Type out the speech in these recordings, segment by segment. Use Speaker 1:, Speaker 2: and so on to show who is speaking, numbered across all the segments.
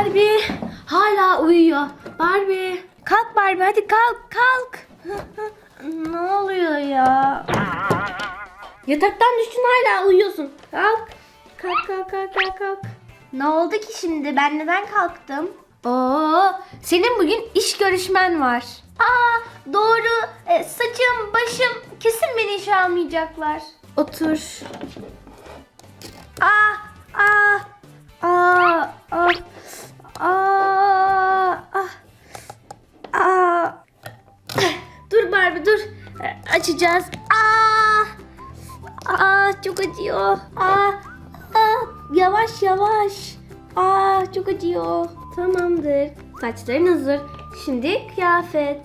Speaker 1: Barbie hala uyuyor. Barbie kalk, Barbie hadi kalk. Ne oluyor ya? Yataktan düştün hala uyuyorsun. Kalk. Kalk. Ne oldu ki şimdi? Ben neden kalktım? Senin bugün iş görüşmen var. Doğru. Saçım, başım kesin beni işe almayacaklar. Otur. Dur Barbie dur. Açacağız. Çok acıyor. Yavaş. Çok acıyor. Tamamdır. Saçların hazır. Şimdi kıyafet.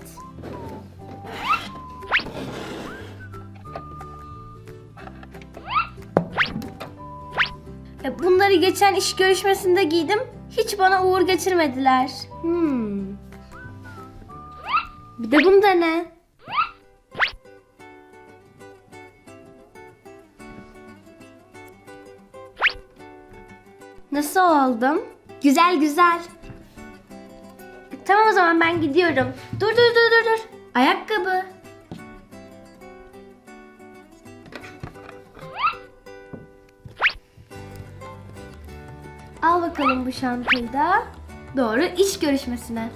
Speaker 1: Bunları geçen iş görüşmesinde giydim. Hiç bana uğur getirmediler. Bir de bunda ne? Nasıl oldum? Güzel. Tamam o zaman ben gidiyorum. Dur. Ayakkabı. Al bakalım bu çantayı da. Doğru iş görüşmesine.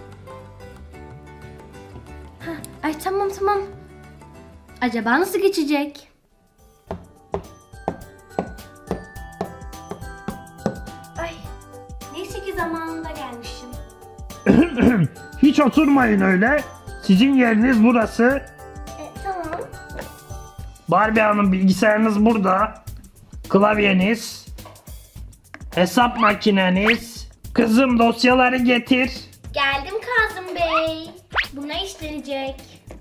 Speaker 1: Ay tamam. Acaba nasıl geçecek? Ay neyse ki zamanında gelmişim.
Speaker 2: Hiç oturmayın öyle. Sizin yeriniz burası.
Speaker 1: Tamam.
Speaker 2: Barbie Hanım bilgisayarınız burada. Klavyeniz. Hesap makineniz. Kızım dosyaları getir.
Speaker 1: Geldim Kazım Bey. Buna işlenecek.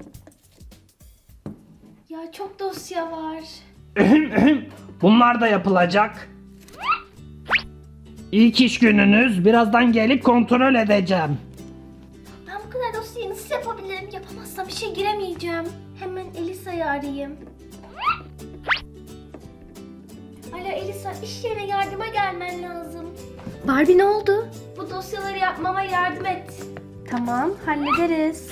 Speaker 1: Ya çok dosya var.
Speaker 2: Bunlar da yapılacak. İlk iş gününüz. Birazdan gelip kontrol edeceğim.
Speaker 1: Ben bu kadar dosyayı nasıl yapabilirim? Yapamazsam işe giremeyeceğim. Hemen Elisa'yı arayayım. Alo Elisa, iş yerine yardıma gelmen lazım. Barbie ne oldu? Bu dosyaları yapmama yardım et. Tamam, hallederiz.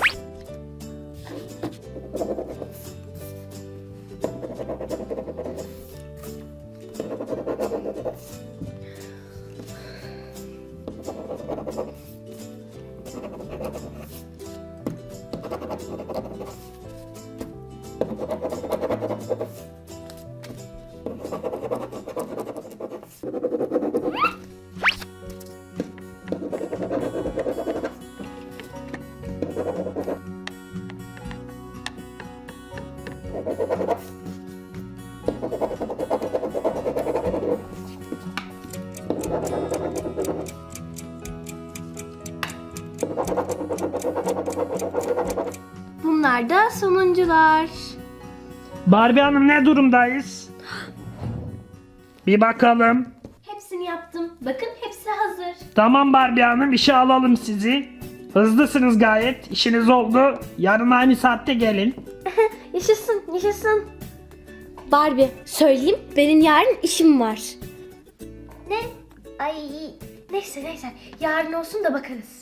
Speaker 1: Bunlar da sonuncular.
Speaker 2: Barbie Hanım ne durumdayız? Bir bakalım.
Speaker 1: Hepsini yaptım. Bakın hepsi hazır.
Speaker 2: Tamam Barbie Hanım, işe alalım sizi. Hızlısınız gayet. İşiniz oldu. Yarın aynı saatte gelin.
Speaker 1: Yaşasın. Barbie, söyleyeyim benim yarın işim var. Ne? Ay neyse yarın olsun da bakarız.